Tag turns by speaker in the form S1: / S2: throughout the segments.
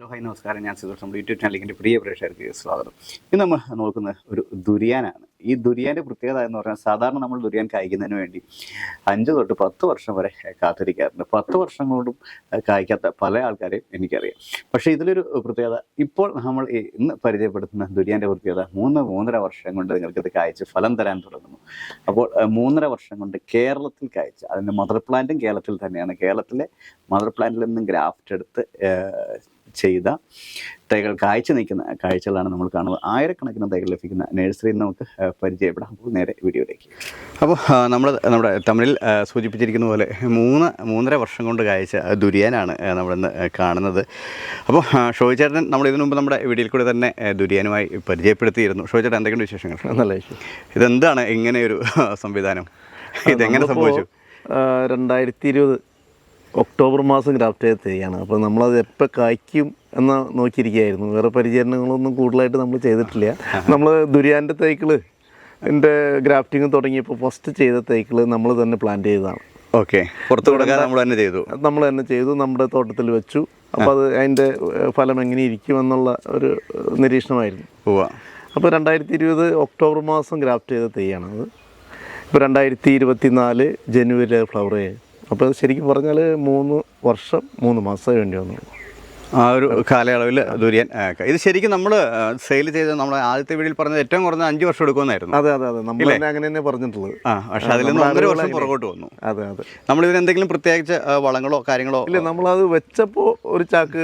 S1: Hello hi നമസ്കാരം. ഞാൻ സുധീർ. നമ്മുടെ യൂട്യൂബ് ചാനലിൻ്റെ പ്രിയ പ്രേക്ഷകർക്ക് സ്വാഗതം. ഇന്ന് നമ്മൾ നോക്കുന്ന ഒരു ദുരിയാനാണ്. ഈ ദുരിയാൻ്റെ പ്രത്യേകത എന്ന് പറഞ്ഞാൽ സാധാരണ നമ്മൾ ദുരിയാൻ കായ്ക്കുന്നതിന് വേണ്ടി 5 തൊട്ട് 10 വർഷം വരെ കാത്തിരിക്കാറുണ്ട്. 10 വർഷം കൊണ്ടും കായ്ക്കാത്ത പല ആൾക്കാരെയും എനിക്കറിയാം. പക്ഷേ ഇതിലൊരു പ്രത്യേകത, ഇപ്പോൾ നമ്മൾ ഇന്ന് പരിചയപ്പെടുത്തുന്ന ദുരിയാൻ്റെ പ്രത്യേകത 3-3.5 വർഷം കൊണ്ട് നിങ്ങൾക്കിത് കായ്ച്ച് ഫലം തരാൻ തുടങ്ങുന്നു. അപ്പോൾ 3.5 വർഷം കൊണ്ട് കേരളത്തിൽ കായ്ച്ച്, അതിൻ്റെ മദർ പ്ലാന്റും കേരളത്തിൽ തന്നെയാണ്. കേരളത്തിലെ മദർ പ്ലാന്റിൽ നിന്നും ഗ്രാഫ്റ്റ് എടുത്ത് ചെയ്ത തൈകൾ കാഴ്ച നിൽക്കുന്ന കാഴ്ചകളാണ് നമ്മൾ കാണുന്നത്. ആയിരക്കണക്കിന് തൈകൾ ലഭിക്കുന്ന നഴ്സറിയിൽ നമുക്ക് പരിചയപ്പെടാം. അപ്പോൾ നേരെ വീഡിയോയിലേക്ക്. അപ്പോൾ നമ്മുടെ തമിഴിൽ സൂചിപ്പിച്ചിരിക്കുന്ന പോലെ 3-3.5 വർഷം കൊണ്ട് കായ്ച്ച ദുരിയാനാണ് നമ്മളിന്ന് കാണുന്നത്. അപ്പോൾ ഷോയിച്ചേട്ടൻ നമ്മൾ ഇതിനു മുമ്പ് നമ്മുടെ വീഡിയോയിൽ കൂടെ തന്നെ ദുരിയാനുമായി പരിചയപ്പെടുത്തിയിരുന്നു. ഷോയിച്ചേട്ടൻ എന്തൊക്കെയുണ്ട് വിശേഷങ്ങൾ?
S2: നല്ല വിശേഷം.
S1: ഇതെന്താണ് ഇങ്ങനെയൊരു സംവിധാനം? ഇതെങ്ങനെ സംഭവിച്ചു?
S2: 2020 ഒക്ടോബർ മാസം ഗ്രാഫ്റ്റ് ചെയ്ത തൈയാണ്. അപ്പോൾ നമ്മളത് എപ്പോൾ കായ്ക്കും എന്ന് നോക്കിയിരിക്കുകയായിരുന്നു. വേറെ പരിചരണങ്ങളൊന്നും കൂടുതലായിട്ട് നമ്മൾ ചെയ്തിട്ടില്ല. നമ്മൾ ദുരിയാൻ്റെ തൈകൾ എൻ്റെ ഗ്രാഫ്റ്റിങ് തുടങ്ങിയപ്പോൾ ഫസ്റ്റ് ചെയ്ത തൈകൾ നമ്മൾ തന്നെ പ്ലാന്റ് ചെയ്തതാണ്.
S1: ഓക്കെ, പുറത്തു കൊടുക്കാതെ നമ്മൾ തന്നെ ചെയ്തു, നമ്മുടെ തോട്ടത്തിൽ വെച്ചു. അപ്പോൾ അത് അതിൻ്റെ ഫലം എങ്ങനെ ഇരിക്കുമെന്നുള്ള ഒരു നിരീക്ഷണമായിരുന്നു. അപ്പോൾ 2020 ഒക്ടോബർ മാസം ഗ്രാഫ്റ്റ് ചെയ്ത തൈയാണത്. ഇപ്പോൾ 2024 ജനുവരി ഫ്ലവർ ചെയ്തു. അപ്പോൾ ശരിക്കും പറഞ്ഞാൽ 3 വർഷം 3 മാസമേ വേണ്ടി വന്നു. ആ ഒരു കാലയളവിൽ ദുരിയാൻ ഇത് ശരിക്കും നമ്മൾ സെയിൽ ചെയ്ത് നമ്മൾ ആദ്യത്തെ വീഡിയോയിൽ പറഞ്ഞത് ഏറ്റവും കുറഞ്ഞ 5 വർഷം എടുക്കുമെന്നായിരുന്നു.
S2: അതെ, നമ്മൾ അങ്ങനെ തന്നെ പറഞ്ഞിട്ടുള്ളത്.
S1: പക്ഷേ അതിൽ നിന്ന് 1.5 വർഷം പുറകോട്ട് വന്നു.
S2: അതെ.
S1: നമ്മളിതിന് എന്തെങ്കിലും പ്രത്യേകിച്ച് വളങ്ങളോ കാര്യങ്ങളോ
S2: ഇല്ല. നമ്മളത് വെച്ചപ്പോൾ ഒരു ചാക്ക്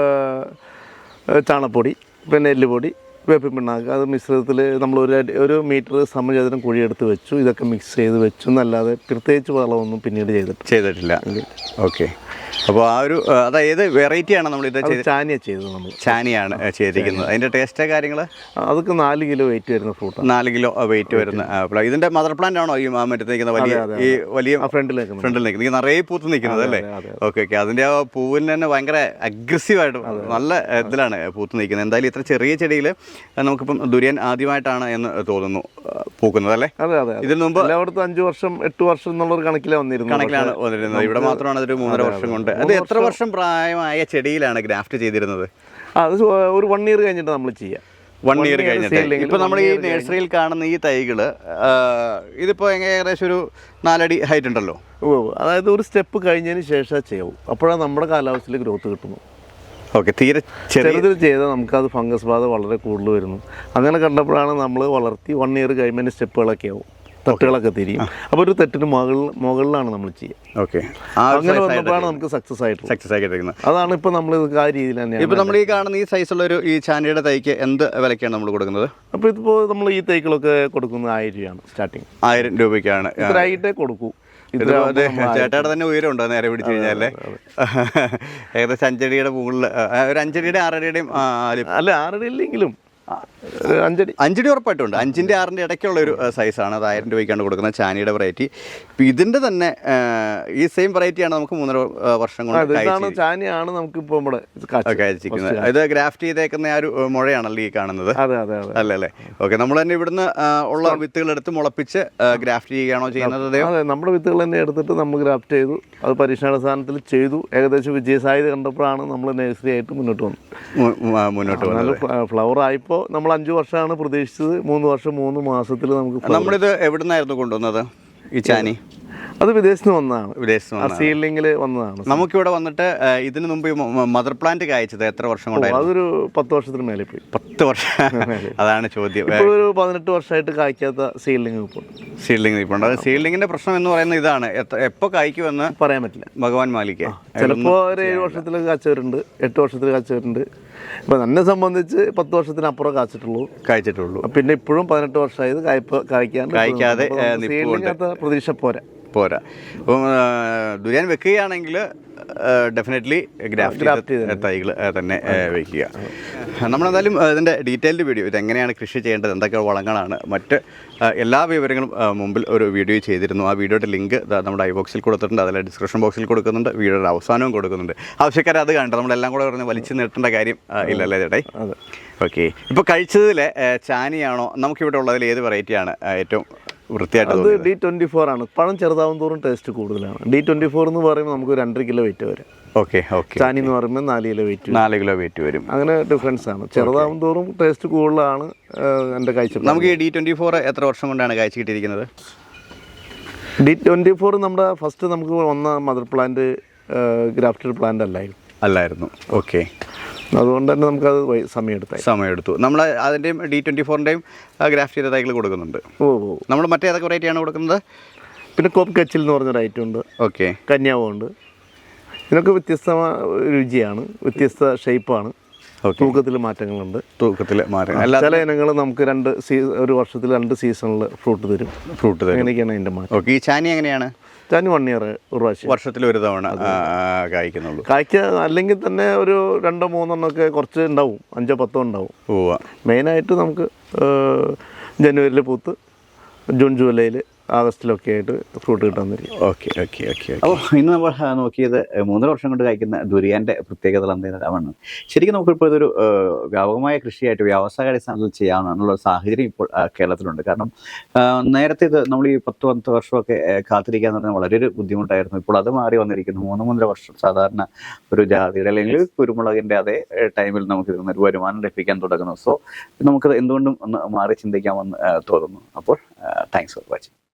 S2: ചാണപ്പൊടി, പിന്നെ എല്ലുപൊടി, വേപ്പിൻ പിണ്ണാക്ക്, അത് മിശ്രിതത്തിൽ നമ്മൾ ഒരു മീറ്റർ സമചതുരം കുഴിയെടുത്ത് വെച്ചു. ഇതൊക്കെ മിക്സ് ചെയ്ത് വെച്ചു എന്നല്ലാതെ പ്രത്യേകിച്ച് വളമൊന്നും പിന്നീട് ചെയ്തിട്ടില്ല.
S1: ഓക്കെ. അപ്പോൾ ആ ഒരു അതായത് വെറൈറ്റിയാണ് നമ്മൾ ഇത്
S2: ചാനിയാണ് ചെയ്തത്. നമ്മൾ
S1: ചാനിയാണ് ചെയ്തിരിക്കുന്നത്. അതിൻ്റെ ടേസ്റ്റ് കാര്യങ്ങൾ
S2: അതൊക്കെ 4 കിലോ വെയിറ്റ് വരുന്ന ഫ്രൂട്ട്.
S1: 4 കിലോ വെയിറ്റ് വരുന്ന ഇതിൻ്റെ മദർ പ്ലാന്റ് ആണോ ഈ മറ്റേ നിൽക്കുന്ന വലിയ ഫ്രണ്ടിൽ നിൽക്കുന്നത് നിറയെ പൂത്ത് നിൽക്കുന്നത് അല്ലേ? ഓക്കെ. അതിൻ്റെ ആ പൂവിന് തന്നെ ഭയങ്കര അഗ്രസീവായിട്ട് നല്ല ഇതിലാണ് പൂത്ത് നിൽക്കുന്നത്. എന്തായാലും ഇത്ര ചെറിയ ചെടിയിൽ നമുക്കിപ്പം ദുരിയാൻ ആദ്യമായിട്ടാണ് എന്ന് തോന്നുന്നു പൂക്കുന്നത് അല്ലേ?
S2: അതെ. ഇതിന് മുമ്പ് എല്ലായിടത്തും 5 വർഷം 8 വർഷം എന്നുള്ളൊരു കണക്കിലാണ് വന്നിരുന്നത്.
S1: ഇവിടെ മാത്രമാണ് അതൊരു 3.5 വർഷം കൊണ്ട്. അത് എത്ര വർഷം പ്രായമായ ചെടിയിലാണ് ഗ്രാഫ്റ്റ് ചെയ്തിരുന്നത്?
S2: അത് ഒരു 1 ഇയർ കഴിഞ്ഞിട്ട് നമ്മൾ ചെയ്യാം.
S1: 1 ഇയർ കഴിഞ്ഞിട്ട്. ഇപ്പോൾ നമ്മൾ ഈ നഴ്സറിയിൽ കാണുന്ന ഈ തൈകൾ ഇതിപ്പോൾ ഏകദേശം ഒരു 4 അടി ഹൈറ്റ് ഉണ്ടല്ലോ.
S2: അതായത് ഒരു സ്റ്റെപ്പ് കഴിഞ്ഞതിന് ശേഷം ചെയ്യാവൂ. അപ്പോഴാണ് നമ്മുടെ കാലാവസ്ഥയിൽ ഗ്രോത്ത് കിട്ടുന്നു.
S1: ഓക്കെ. തീരെ
S2: ചെറുതിൽ ചെയ്താൽ നമുക്കത് ഫംഗസ് ബാധ വളരെ കൂടുതൽ വരുന്നു. അങ്ങനെ കണ്ടപ്പോഴാണ് നമ്മൾ വളർത്തി 1 ഇയർ കഴിയുമ്പോൾ സ്റ്റെപ്പുകളൊക്കെ ആവും, തട്ടുകളൊക്കെ തിരിയും. അപ്പോൾ ഒരു തട്ടിന് മുകളിലാണ് നമ്മൾ ചെയ്യുക.
S1: ഓക്കെ.
S2: അങ്ങനെ വന്നപ്പോഴാണ് നമുക്ക് സക്സസ് ആയിട്ട്. അതാണ് ഇപ്പോൾ നമ്മൾ ആ രീതിയിൽ തന്നെയാണ്.
S1: ഇപ്പോൾ നമ്മൾ ഈ കാണുന്ന ഈ സൈസുള്ള ഒരു ഈ ചാനിയുടെ തൈക്ക് എന്ത് വിലയ്ക്കാണ് നമ്മൾ കൊടുക്കുന്നത്?
S2: അപ്പോൾ ഇതിപ്പോൾ നമ്മൾ ഈ തൈകളൊക്കെ കൊടുക്കുന്നത് 1000 രൂപയാണ് സ്റ്റാർട്ടിങ്.
S1: 1000 രൂപയ്ക്കാണ്.
S2: ഇത്രയായിട്ടേ കൊടുക്കൂ.
S1: ചേട്ടയുടെ തന്നെ ഉയരമുണ്ടോ നേരെ പിടിച്ചു കഴിഞ്ഞാലേ? ഏകദേശം 5 അടിയുടെ മുകളിൽ, ഒരു 5 അടിയുടെ 6 അടിയുടെയും
S2: അല്ല 6 അടി ഇല്ലെങ്കിലും 5
S1: അടി ഉറപ്പായിട്ടുണ്ട്. 5-ന്റെ 6-ന്റെ ഇടയ്ക്കുള്ള ഒരു സൈസാണ്. അത് 1000 രൂപയ്ക്കാണ് കൊടുക്കുന്നത് ചാനിയുടെ വെറൈറ്റി. ഇപ്പം ഇതിൻ്റെ തന്നെ ഈ സെയിം വെറൈറ്റിയാണ് നമുക്ക് 3.5 വർഷം കൊണ്ട്
S2: ചാനിയാണ് നമുക്ക് ഇപ്പോൾ ഇവിടെ
S1: കഴിച്ചിരിക്കുന്നത്. ഇത് ഗ്രാഫ്റ്റ് ചെയ്തേക്കുന്ന ആ ഒരു മുഴയാണല്ലോ ഈ കാണുന്നത് അല്ലേ? ഓക്കെ. നമ്മൾ തന്നെ ഇവിടുന്ന് ഉള്ള വിത്തുകൾ എടുത്ത് മുളപ്പിച്ച് ഗ്രാഫ്റ്റ് ചെയ്യുകയാണോ ചെയ്യുന്നത്?
S2: അതെ, നമ്മുടെ വിത്തുകൾ തന്നെ എടുത്തിട്ട് നമ്മൾ ഗ്രാഫ്റ്റ് ചെയ്തു. അത് പരീക്ഷണാടിസ്ഥാനത്തിൽ ചെയ്തു. ഏകദേശം വിജയസാധ്യത കണ്ടപ്പോഴാണ് നമ്മൾ നഴ്സറി ആയിട്ട് മുന്നോട്ട് വന്നത്. ഫ്ലവർ ആയപ്പോൾ നമ്മൾ 5 വർഷമാണ് പ്രതീക്ഷിച്ചത്. 3 വർഷം 3 മാസത്തിൽ നമുക്ക്.
S1: നമ്മളിത് എവിടെ നിന്നായിരുന്നു കൊണ്ടുവന്നത് ഈ ചാനി?
S2: അത് വിദേശത്ത് വന്നതാണ്. സീഡ്ലിംഗിൽ വന്നതാണ്.
S1: നമുക്കിവിടെ വന്നിട്ട് ഇതിന് മുമ്പ് മദർ പ്ലാന്റ് കായ്ച്ചത് എത്ര വർഷം കൊണ്ടായിരുന്നു?
S2: അതൊരു 10 വർഷത്തിന് മേലെ പോയി.
S1: 10 വർഷം. അതാണ് ചോദ്യം.
S2: ഇപ്പോൾ ഒരു 18 വർഷമായിട്ട് കായ്ക്കാത്ത സീഡ്ലിംഗ്
S1: ഇപ്പോൾ അത് സീഡ്ലിംഗിന്റെ പ്രശ്നം എന്ന് പറയുന്നത് ഇതാണ്. എപ്പോൾ കായ്ക്കുമെന്ന്
S2: പറയാൻ പറ്റില്ല.
S1: ഭഗവാൻ മാലിക്ക്.
S2: ചിലപ്പോൾ ഒരു 7 വർഷത്തിൽ കാച്ചവരുണ്ട്, 8 വർഷത്തിൽ കാച്ചവരുണ്ട്. ഇപ്പം എന്നെ സംബന്ധിച്ച് 10 വർഷത്തിനപ്പുറം കായ്ച്ചിട്ടുള്ളൂ. പിന്നെ ഇപ്പോഴും 18 വർഷമായത് കായ്ക്കാതെ പ്രതീക്ഷ
S1: പോരാ. അപ്പം ദുരിയാൻ വെക്കുകയാണെങ്കിൽ ഡെഫിനറ്റ്ലി ഗ്രാഫ്റ്റ് തൈകൾ തന്നെ വയ്ക്കുക. നമ്മളെന്തായാലും ഇതിൻ്റെ ഡീറ്റെയിൽഡ് വീഡിയോ, ഇതെങ്ങനെയാണ് കൃഷി ചെയ്യേണ്ടത്, എന്തൊക്കെ വളങ്ങളാണ്, മറ്റ് എല്ലാ വിവരങ്ങളും മുമ്പിൽ ഒരു വീഡിയോ ചെയ്തിരുന്നു. ആ വീഡിയോയുടെ ലിങ്ക് നമ്മുടെ ഐബോക്സിൽ കൊടുത്തിട്ടുണ്ട്, അതിലെ ഡിസ്ക്രിപ്ഷൻ ബോക്സിൽ കൊടുക്കുന്നുണ്ട്, വീഡിയോയുടെ അവസാനവും കൊടുക്കുന്നുണ്ട്. ആവശ്യക്കാർ അത് കണ്ടു. നമ്മളെല്ലാം കൂടെ പറഞ്ഞ് വലിച്ചു നീട്ടേണ്ട കാര്യം ഇല്ലല്ലേ ചേട്ടായി? ഓക്കെ. ഇപ്പോൾ കഴിച്ചതിൽ ചാനിയാണോ നമുക്കിവിടെ ഉള്ളതിൽ ഏത് വെറൈറ്റിയാണ് ഏറ്റവും വൃത്തിയായിട്ട്?
S2: D24 ആണ്. പഴം ചെറുതാവും തോറും ടേസ്റ്റ് കൂടുതലാണ്. D24 എന്ന് പറയുമ്പോൾ നമുക്ക് 2.5 കിലോ വെയിറ്റ് വരും.
S1: Okay okay.
S2: ചാനി എന്ന് പറയുമ്പോൾ 4 കിലോ വെയിറ്റ്
S1: 4 കിലോ വെയിറ്റ് വരും.
S2: അങ്ങനെ ഡിഫറൻസ് ആണ്. ചെറുതാവും തോറും ടേസ്റ്റ് കൂടുതലാണ് എൻ്റെ കാഴ്ച.
S1: നമുക്ക് ഈ D24 എത്ര വർഷം കൊണ്ടാണ് കാഴ്ച കിട്ടിയിരിക്കുന്നത്?
S2: D24 നമ്മുടെ ഫസ്റ്റ് നമുക്ക് വന്ന മദർ പ്ലാന്റ് ഗ്രാഫ്റ്റഡ് പ്ലാന്റ്
S1: അല്ലായിരുന്നു. ഓക്കെ.
S2: അതുകൊണ്ട് തന്നെ നമുക്കത് സമയമെടുത്തു. നമ്മൾ
S1: അതിൻ്റെയും D24ൻ്റെയും ഗ്രാഫ്റ്റ് ചെയ്ത തൈകൾ കൊടുക്കുന്നുണ്ട്. നമ്മൾ മറ്റേതൊക്കെ വെറൈറ്റിയാണ് കൊടുക്കുന്നത്?
S2: പിന്നെ കോപ്പ് കച്ചിൽ എന്ന് പറഞ്ഞൊരു ഐറ്റം ഉണ്ട്.
S1: ഓക്കെ.
S2: കന്യാവുണ്ട്. ഇതിനൊക്കെ വ്യത്യസ്ത രുചിയാണ്, വ്യത്യസ്ത ഷേപ്പാണ്. തൂക്കത്തിൽ മാറ്റങ്ങളുണ്ട്. ചില ഇനങ്ങൾ നമുക്ക് ഒരു വർഷത്തിൽ 2 സീസണിൽ ഫ്രൂട്ട് തരും. അങ്ങനെയൊക്കെയാണ് അതിൻ്റെ മാറ്റം.
S1: ഓക്കെ. ഈ ചാനി എങ്ങനെയാണ്?
S2: ചാനി 1 ഇയർ ഒരു പ്രാവശ്യം
S1: വർഷത്തിൽ ഒരു തവണ കായ്ക്കുന്നുള്ളൂ.
S2: അല്ലെങ്കിൽ തന്നെ ഒരു 2-3 ഒക്കെ കുറച്ച് ഉണ്ടാവും, 5-10 ഉണ്ടാവും. മെയിനായിട്ട് നമുക്ക് ജനുവരിയിൽ പൂത്ത് ജൂൺ ജൂലൈയിൽ ആഗസ്റ്റിലൊക്കെ ആയിട്ട് ഫ്രൂട്ട് കിട്ടാൻ തരും.
S1: Okay okay okay. അപ്പോൾ ഇന്ന് നമ്മൾ നോക്കിയത് 3 വർഷം കൊണ്ട് കഴിക്കുന്ന ദുരിയാൻ്റെ പ്രത്യേകതകൾ എന്തെല്ലാമാണ്. ശരിക്കും നമുക്കിപ്പോൾ ഇതൊരു വ്യാപകമായ കൃഷിയായിട്ട് വ്യാവസായികാടിസ്ഥാനത്തിൽ ചെയ്യാവുന്ന സാഹചര്യം ഇപ്പോൾ കേരളത്തിലുണ്ട്. കാരണം നേരത്തെ ഇത് നമ്മൾ ഈ 10-15 വർഷമൊക്കെ കാത്തിരിക്കുക എന്ന് പറഞ്ഞാൽ വളരെ ഒരു ബുദ്ധിമുട്ടായിരുന്നു. ഇപ്പോൾ അത് മാറി വന്നിരിക്കുന്നു. 3-3.5 വർഷം സാധാരണ ഒരു ജാതിയുടെ അല്ലെങ്കിൽ കുരുമുളകിൻ്റെ അതേ ടൈമിൽ നമുക്ക് ഇതിൽ നിന്ന് വരുമാനം ലഭിക്കാൻ തുടങ്ങുന്നു. സോ നമുക്കത് എന്തുകൊണ്ടും ഒന്ന് മാറി ചിന്തിക്കാമെന്ന് തോന്നുന്നു. അപ്പോൾ താങ്ക്സ് ഫോർ വാച്ചിങ്.